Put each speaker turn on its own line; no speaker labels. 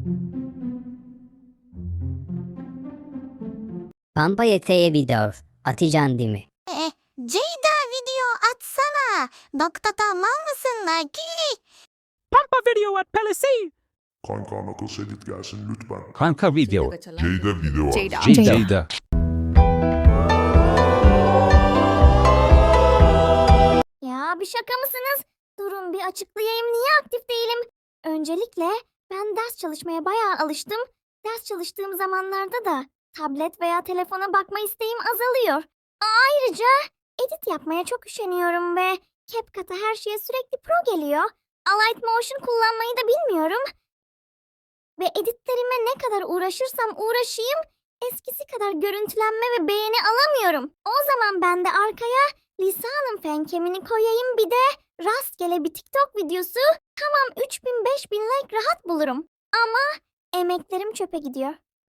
Pampa yeteğe video. Atacaksın değil mi?
Ceyda video atsana. Nokta tamam mısın Nike?
Pampa video at Palissy.
Kanka Knuckles edit gelsin lütfen.
Kanka video.
Ceyda video var.
Jada.
Ya bir şaka mısınız? Durun bir açıklayayım niye aktif değilim. Öncelikle ben ders çalışmaya bayağı alıştım. Ders çalıştığım zamanlarda da tablet veya telefona bakma isteğim azalıyor. Ayrıca edit yapmaya çok üşeniyorum ve CapCut'a her şeye sürekli pro geliyor. Alight Motion kullanmayı da bilmiyorum. Ve editlerime ne kadar uğraşırsam uğraşayım eskisi kadar görüntülenme ve beğeni alamıyorum. O zaman ben de arkaya Lisa'nın fenkemini koyayım bir de rastgele bir TikTok videosu, tamam 3000-5000 like rahat bulurum. Ama emeklerim çöpe gidiyor.